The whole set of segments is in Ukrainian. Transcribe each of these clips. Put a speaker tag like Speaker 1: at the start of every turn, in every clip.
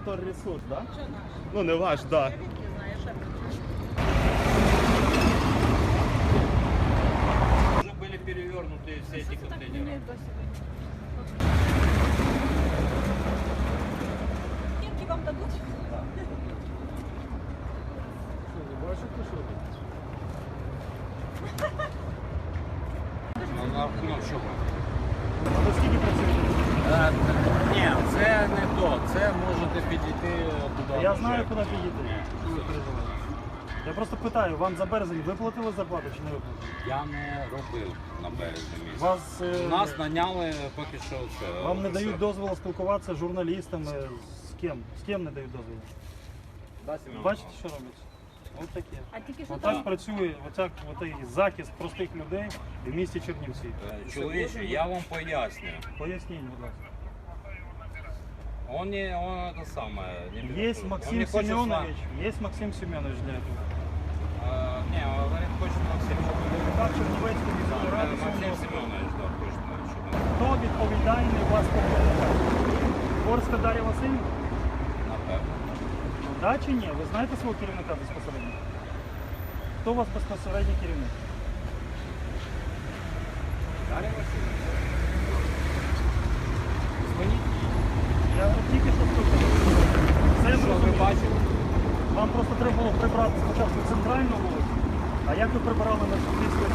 Speaker 1: Укрторресурс, да?
Speaker 2: Що наш?
Speaker 1: Ну не ваш, да.
Speaker 2: Я відки знаю, що
Speaker 3: Уже были перевернуты все эти контейнеры.
Speaker 2: Кірки вам дадуть?
Speaker 3: На рахунок чого?
Speaker 1: А ви скільки працюєте?
Speaker 3: Ні, це не то. Це можете підійти туди.
Speaker 1: Я знаю, куди підійти. Що ви переживаєте? Я просто питаю, вам за березень виплатили зарплату чи не виплатили?
Speaker 3: Я не робив на березі місяць.
Speaker 1: Вас,
Speaker 3: Нас наняли поки що це.
Speaker 1: вам не дають дозволу спілкуватися з журналістами, з ким? З ким не дають дозволу? Бачите, що робиться? Ось таке.
Speaker 2: А тільки що
Speaker 1: Отак працює оцей захист простих людей в місті Чернівці.
Speaker 3: Чоловіче, я вам поясню.
Speaker 1: Поясніть, будь ласка.
Speaker 3: Он это самое.
Speaker 1: Есть Максим Семенович, есть Максим Семенович для этого.
Speaker 3: Не, он говорит, хочет Максим.
Speaker 1: Так, Чернівецький міської ради
Speaker 3: Максим
Speaker 1: Сумського.
Speaker 3: Семенович, да, точно.
Speaker 1: Хто відповідальний у вас по комунікації? Горська Дар'я Васильівна?
Speaker 3: Напевно.
Speaker 1: Да чи ні? Ви знаєте свого керівника безпосередньо? Хто у вас безпосередній керівник?
Speaker 3: Дар'я Васильівна.
Speaker 1: Дзвоніть. Я от тільки що слухав. Все
Speaker 3: Що ви
Speaker 1: зрозуміло.
Speaker 3: бачили?
Speaker 1: Вам просто треба було прибрати спочатку центральну вулицю, а як ви прибирали на Шевченківській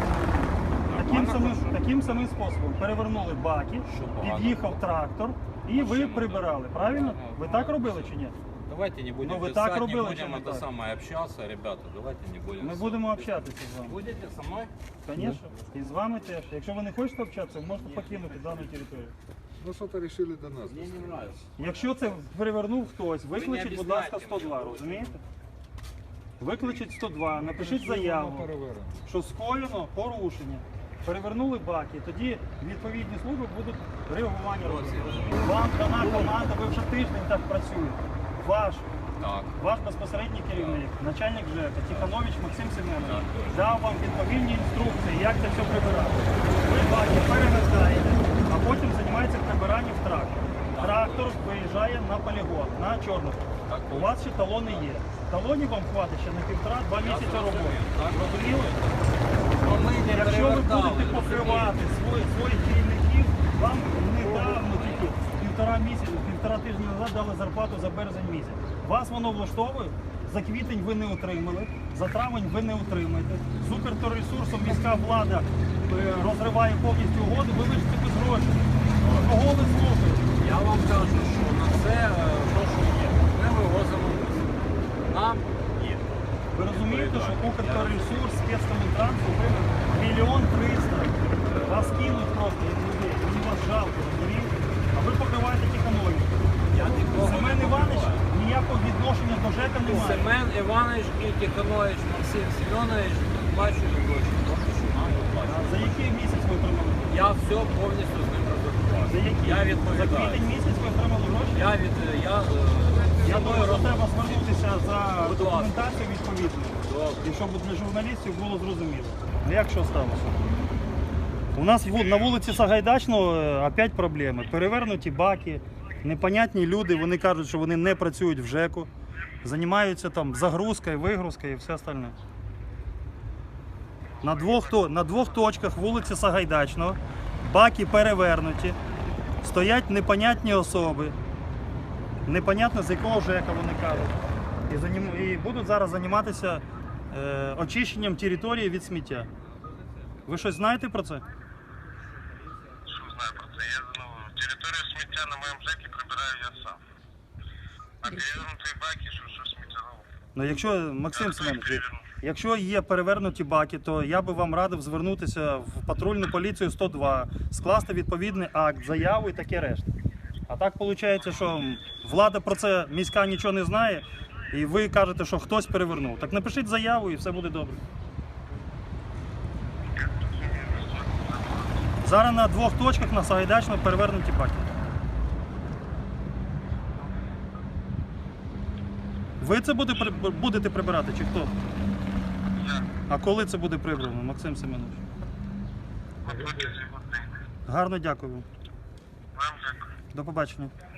Speaker 1: таким самим способом перевернули баки,
Speaker 3: Що погано?
Speaker 1: під'їхав трактор і ви прибирали. Правильно? Ви так робили чи ні?
Speaker 3: Давайте не будем
Speaker 1: Ну, вы
Speaker 3: писать,
Speaker 1: так
Speaker 3: не
Speaker 1: робили,
Speaker 3: будем
Speaker 1: чи не
Speaker 3: это
Speaker 1: так?
Speaker 3: самое общаться, ребята, давайте не будем.
Speaker 1: Ми будемо общатися з вами.
Speaker 3: Будете со мной?
Speaker 1: Звісно. І з вами теж. Якщо ви не хочете общатися, ви можете покинути дану територію.
Speaker 4: Ну что-то решили до нас.
Speaker 3: Мне не нравится.
Speaker 1: Якщо це перевернув хтось, викличіть, будь ласка,
Speaker 3: об'ясняйте
Speaker 1: 102,
Speaker 3: мені.
Speaker 1: розумієте? Викличіть 102, напишіть заяву, що скоєно порушення. Перевернули баки, тоді відповідні служби будуть реагування робити. Вам дана команда, ви вже тиждень так працюєте. Ваш безпосередній керівник, начальник ЖЕКа, Тиханович Максим Семенович, дав вам відповідні інструкції, як це все прибирати. Ви баки перевертаєте, а потім займається прибиранням в трактор. Трактор виїжджає на полігон, на Чорнобиль. У вас ще талони є. Талонів вам хватить ще на 1,5-2 місяці роботи. Розуміли? Якщо ви будете покривати своїх керівників, вам недавно тільки півтора тижня назад дали зарплату за березень місяць. Вас воно влаштовує, за квітень ви не отримали, за травень ви не отримаєте. З Укрторресурсом міська влада розриває повністю угоди, ви лишите без грошей. Кого ви слухаєте?
Speaker 3: Я вам кажу, що на це то, що є. Ми вивозимо нам є.
Speaker 1: Ви розумієте, що Укрторресурс, спецкомунтранс отримав 1 300 000. Вас кинуть просто, як людей, мені вас жалко, розумієте? А ви покриваєте Тиханович. Семен Іванович ніякого відношення до ЖЕКа не має.
Speaker 3: Семен Іванович і Тиханович Максим Семенович плачуть гроші.
Speaker 1: А за який місяць ви отримали?
Speaker 3: Я все повністю з ним розрахував.
Speaker 1: За який?
Speaker 3: Я
Speaker 1: За
Speaker 3: відповідаю.
Speaker 1: квітень місяць ви отримали гроші? Я думаю, що треба звернутися за
Speaker 3: Будь ласка.
Speaker 1: документацією відповідною. І щоб для журналістів було зрозуміло. Як що сталося? У нас на вулиці Сагайдачного опять проблеми. Перевернуті баки, непонятні люди, вони кажуть, що вони не працюють в ЖЕКу, займаються там загрузкою, вигрузкою і все остальне. На двох точках вулиці Сагайдачного баки перевернуті, стоять непонятні особи, непонятно з якого ЖЕКа вони кажуть. І будуть зараз займатися очищенням території від сміття. Ви щось знаєте про це?
Speaker 5: Що знаю про це? Територію сміття на моєму ЖЕКі прибираю я сам. А перевернуті баки, що сміття?
Speaker 1: Ну, якщо, Максим Семенович, якщо є перевернуті баки, то я би вам радив звернутися в патрульну поліцію 102, скласти відповідний акт, заяву і таке решта. А так виходить, що влада про це міська нічого не знає, і ви кажете, що хтось перевернув. Так напишіть заяву і все буде добре. Зараз на двох точках на Сагайдачного перевернуті баки. Ви це будете прибирати чи хто? А коли це буде прибрано, Максим Семенович? Гарно дякую вам.
Speaker 5: Вам дякую.
Speaker 1: До побачення.